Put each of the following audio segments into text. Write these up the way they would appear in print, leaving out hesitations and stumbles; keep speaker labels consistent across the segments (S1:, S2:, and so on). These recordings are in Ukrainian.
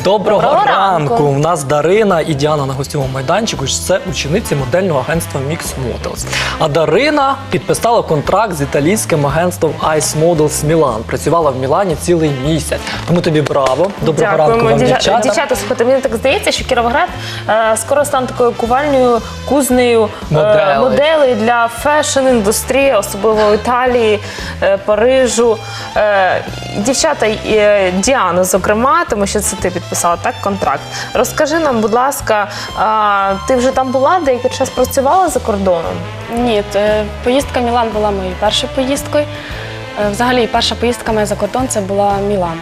S1: Доброго ранку! У нас Дарина і Діана на гостьовому майданчику. Це учениці модельного агентства Mix Models. А Дарина підписала контракт з італійським агентством Ice Models Milan. Працювала в Мілані цілий місяць. Тому тобі браво. Доброго ранку вам, дівчата.
S2: Дівчата, слухайте, мені так здається, що Кіровоград скоро стане такою кувальною, кузнею моделей для фешн-індустрії, особливо в Італії, Парижу. Дівчата, Діана, зокрема, тому що це ти підписала так контракт. Розкажи нам, будь ласка, ти вже там була, деякий час працювала за кордоном?
S3: Ні, поїздка в Мілан була моєю першою поїздкою. Взагалі, перша поїздка моя за кордон – це була Мілан.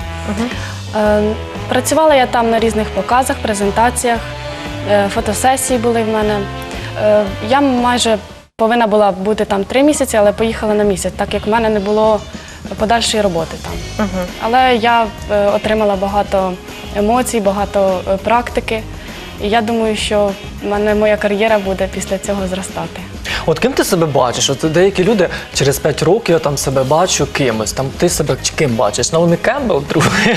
S3: Працювала я там на різних показах, презентаціях, фотосесії були в мене. Я майже повинна була бути там 3 місяці, але поїхала на місяць, так як в мене не було подальшої роботи там. Але я отримала багато емоцій, багато практики. І я думаю, що в мене моя кар'єра буде після цього зростати.
S1: От ким ти себе бачиш? От деякі люди через 5 років я там себе бачу кимось. Там ти себе ким бачиш? Наомі Кембл, другий?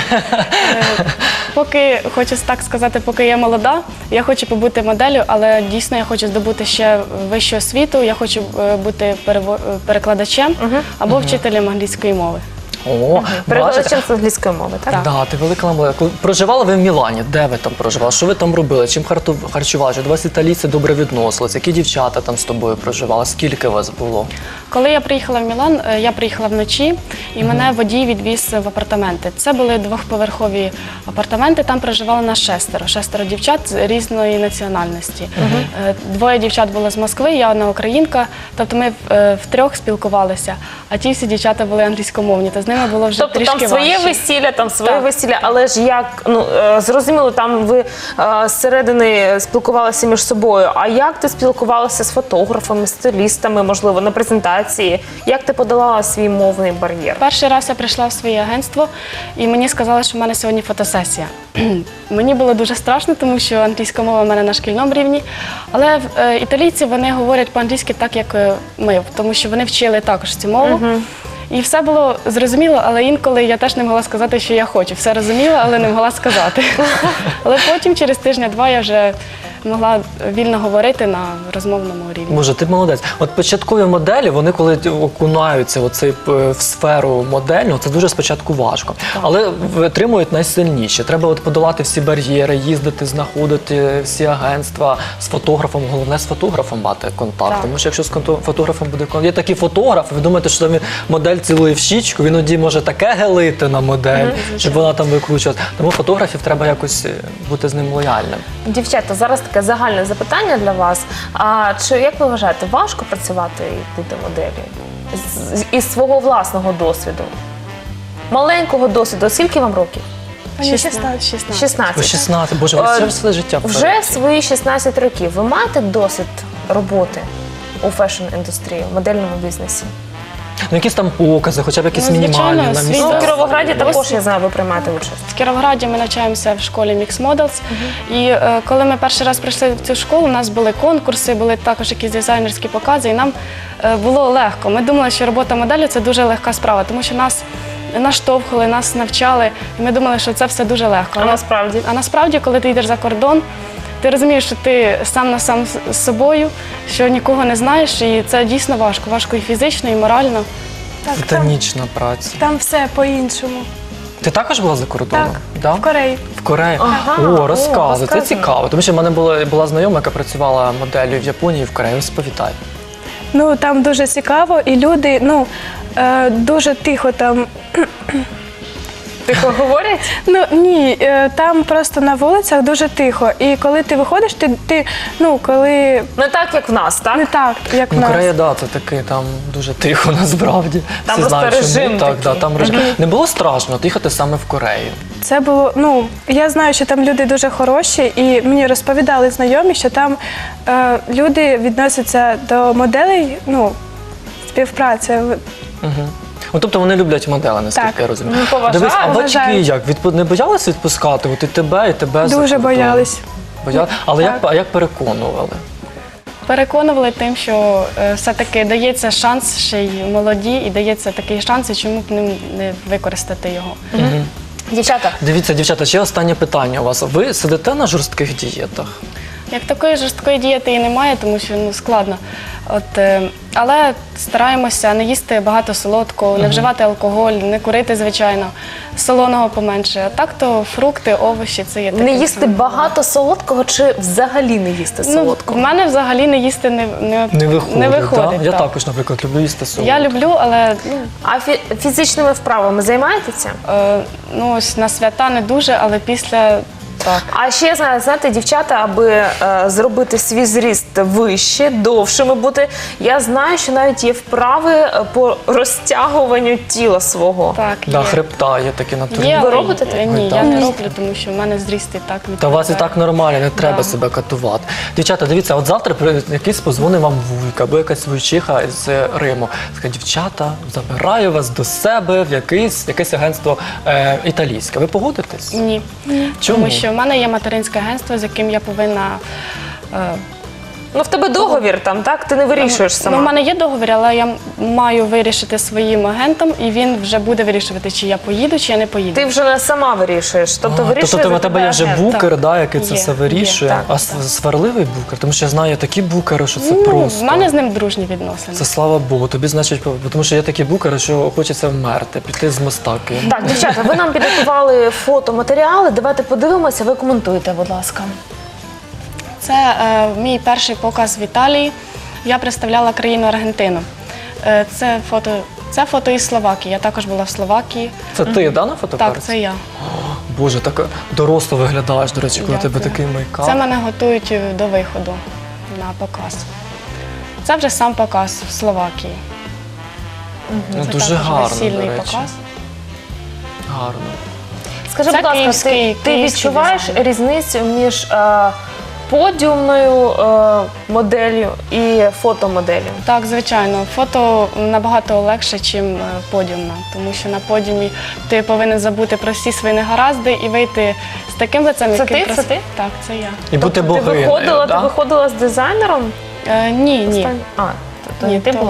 S3: Поки, хочу так сказати, поки я молода, я хочу побути моделлю, але дійсно я хочу здобути ще вищу освіту, я хочу бути перекладачем або вчителем англійської мови.
S2: Перекладачем з англійської мови, так?
S1: Так, ти велика молодець. Проживала ви в Мілані? Де ви там проживали? Що ви там робили? Чим харчувалися? До вас італійці добре відносилися? Які дівчата там з тобою проживали? Скільки вас було?
S3: Коли я приїхала в Мілан, я приїхала вночі, і мене водій відвіз в апартаменти. Це були 2-поверхові апартаменти, там проживало нас 6 дівчат з різної національності. 2 дівчат було з Москви, я одна українка, тобто ми втрьох спілкувалися, а ті всі дівчата були англійськомовні, то з ними було вже трішки важче.
S2: Тобто там своє весілля, там своє весілля, але ж як, зрозуміло, там ви зсередини спілкувалися між собою, а як ти спілкувалася з фотографами, стилістами, можливо, на презентації? Як ти подолала свій мовний бар'єр?
S3: Перший раз я прийшла в своє агентство, і мені сказали, що в мене сьогодні фотосесія. Мені було дуже страшно, тому що англійська мова в мене на шкільному рівні, але італійці, вони говорять по-англійськи так, як ми, тому що вони вчили також цю мову. І все було зрозуміло, але інколи я теж не могла сказати, що я хочу. Все розуміла, але не могла сказати. Але потім, через тижня-два, я вже могла вільно говорити на розмовному рівні.
S1: Боже, ти молодець. От початкові моделі, вони коли окунаються в сферу модельну, це дуже спочатку важко. Але витримують найсильніші. Треба подолати всі бар'єри, їздити, знаходити всі агентства з фотографом. Головне, з фотографом мати контакт. Тому що якщо з фотографом буде контакт, є такі фотографи, ви думаєте, що там модель цілує в щічку, він іноді може таке гелити на модель, щоб вона там викручувалася. Тому фотографів треба якось бути з ним лояльним.
S2: Дівчата, зараз таке загальне запитання для вас. Як ви вважаєте, важко працювати і бути моделлю? Із свого власного досвіду? Маленького досвіду. Скільки вам років? 16.
S1: 16. Боже, ви все життя вперед.
S2: Вже свої 16 років ви маєте досвід роботи у фешн-індустрії, в модельному бізнесі?
S1: Ну, якісь там покази, хоча б якісь мінімальні на місцях.
S2: Ну, в Кіровограді також, я знаю, ви приймаєте участь.
S3: В Кіровограді ми навчаємося в школі Mix Models. І коли ми перший раз прийшли в цю школу, у нас були конкурси, були також якісь дизайнерські покази, і нам було легко. Ми думали, що робота моделі – це дуже легка справа, тому що нас наштовхували, нас навчали, і ми думали, що це все дуже легко.
S2: А насправді?
S3: А насправді, коли ти йдеш за кордон, ти розумієш, що ти сам на сам з собою, що нікого не знаєш, і це дійсно важко. Важко і фізично, і морально.
S1: Титанічна праця.
S4: Там все по-іншому.
S1: Ти також була за кордоном?
S4: Так, в Кореї.
S1: В Кореї? О, розказуй, це цікаво. Тому що в мене була знайома, яка працювала моделлю в Японії і в Кореї. Розповідай.
S4: Ну, там дуже цікаво, і люди, дуже тихо там.
S2: Тихо говорять?
S4: Ну, ні, там просто на вулицях дуже тихо. І коли ти виходиш, коли...
S2: Не так, як в нас, так?
S4: Не так, як в нас.
S1: Корея, це таки, там дуже тихо, насправді.
S2: Там
S1: всі
S2: просто
S1: знають,
S2: режим такий.
S1: Там режим. Не було страшно їхати саме в Корею?
S4: Це було, я знаю, що там люди дуже хороші, і мені розповідали знайомі, що там люди відносяться до моделей, співпраця.
S1: Тобто вони люблять модели, наскільки я розумію.
S2: Поважають.
S1: А батьки як? Не боялися відпускати? От і тебе за кордон?
S4: Дуже боялись.
S1: Але як переконували?
S3: Переконували тим, що все-таки дається шанс ще й молоді, і дається такий шанс, і чому б не використати його.
S2: Дівчата,
S1: Дивіться, дівчата, ще останнє питання у вас. Ви сидите на жорстких дієтах?
S3: Як такої жорсткої дієти і немає, тому що складно. Але стараємося не їсти багато солодкого, не вживати алкоголь, не курити, звичайно, солоного поменше. А так то фрукти, овочі це є таке.
S2: не їсти багато солодкого чи взагалі не їсти
S3: В
S2: солодкого?
S3: мене взагалі не їсти
S1: Не виходить, Я
S3: так.
S1: також, наприклад, люблю їсти солодке.
S3: Я люблю, але
S2: А фізичними вправами займаєтеся?
S3: ось на свята не дуже, але після так.
S2: А ще знаєте, дівчата, аби зробити свій зріст вище, довшими бути, я знаю, що навіть є вправи по розтягуванню тіла свого.
S3: Так,
S1: Да,
S3: є.
S1: хребта є такі натурні.
S3: Є,
S2: Ви
S3: але
S2: робите таке?
S3: Ні,
S1: Ви
S3: я
S1: так.
S3: не роблю, тому що в мене зріст і так
S1: Та у вас і
S3: відповідає.
S1: так нормально, не треба
S3: Да.
S1: себе катувати. Дівчата, дивіться, от завтра якийсь позвонить вам вуйка або якась вуйчиха з Риму. Скаже, дівчата, забираю вас до себе в якесь агентство італійське. Ви погодитесь?
S3: Ні.
S1: Чому?
S3: Тому що в мене є материнське агентство, з яким я повинна.
S2: Ну, в тебе договір там, так? Ти не вирішуєш сама.
S3: Ну, в мене є договір, але я маю вирішити своїм агентом, і він вже буде вирішувати, чи я поїду, чи я не поїду.
S2: Ти вже не сама вирішуєш. Тобто вирішує
S1: Тобто
S2: за
S1: у тебе є вже
S2: агент.
S1: букер,
S3: Так.
S1: да, який це
S3: Є,
S1: все
S3: є,
S1: вирішує.
S2: так,
S1: А
S2: так.
S1: сварливий букер? Тому що я знаю такі букери, що це
S3: Ну,
S1: просто.
S3: в мене з ним дружні відносини.
S1: Це слава Богу. Тобі, значить, тому що є такі букери, що хочеться вмерти, піти з моста кинути.
S2: Так, дівчата, ви нам підготували фотоматеріали. Давайте подивимося, ви коментуйте, будь ласка.
S3: Це мій перший показ в Італії. Я представляла країну Аргентину. Це фото із Словакії. Я також була в Словакії.
S1: Це ти, да, на фотокарті?
S3: Так, це я.
S1: Боже, так доросло виглядаєш, до речі, коли
S3: Дякую.
S1: тебе такий мейкап.
S3: Це мене готують до виходу на показ. Це вже сам показ в Словакії.
S1: Ну,
S3: Це
S1: дуже
S3: також
S1: гарно,
S3: весільний
S1: до речі.
S3: показ.
S1: Гарно.
S2: Скажи,
S3: Це
S2: будь ласка,
S3: київський
S2: ти відчуваєш
S3: дизайн.
S2: різницю між подіумною моделлю і фотомоделлю?
S3: Так, звичайно, фото набагато легше, ніж подіумна, тому що на подіумі ти повинен забути про всі свої негаразди і вийти з таким лицем,
S2: Це
S3: яким
S2: ти? Це ти?
S3: Так, це я.
S1: І бути
S2: Тобто ти
S1: богинею,
S2: ти виходила з дизайнером?
S3: Ні.
S2: Тобто
S3: Ні,
S2: не ти
S3: то-
S2: була.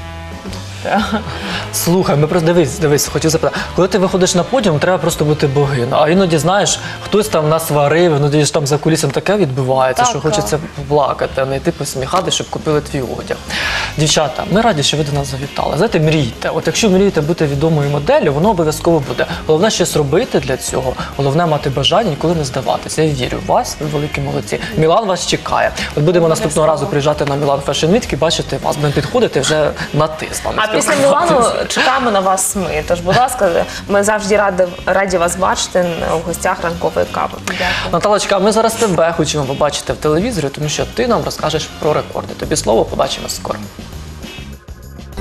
S1: Слухай, ми просто дивись, хотів запитати. Коли ти виходиш на подіум, треба просто бути богиною. А іноді, знаєш, хтось там насварив, іноді ж там за кулісом таке відбувається,
S3: Так,
S1: що хочеться плакати, а не йти посміхати, щоб купили твій одяг. Дівчата, ми раді, що ви до нас завітали. Знаєте, мрійте. От якщо мрієте бути відомою моделлю, воно обов'язково буде. Головне щось робити для цього, головне мати бажання, ніколи не здаватися. Я вірю в вас, ви великі молодці. Мілан вас чекає. От будемо наступного разу приїжджати на Мілан Fashion Week і бачити вас. Будемо підходити вже на ти з вами.
S2: А після Мілану чекаємо на вас ми. Тож, будь ласка, ми завжди раді вас бачити у гостях ранкової кави. Дякую.
S1: Наталочка, ми зараз тебе хочемо побачити в телевізорі, тому що ти нам розкажеш про рекорди. Тобі слово, побачимо скоро.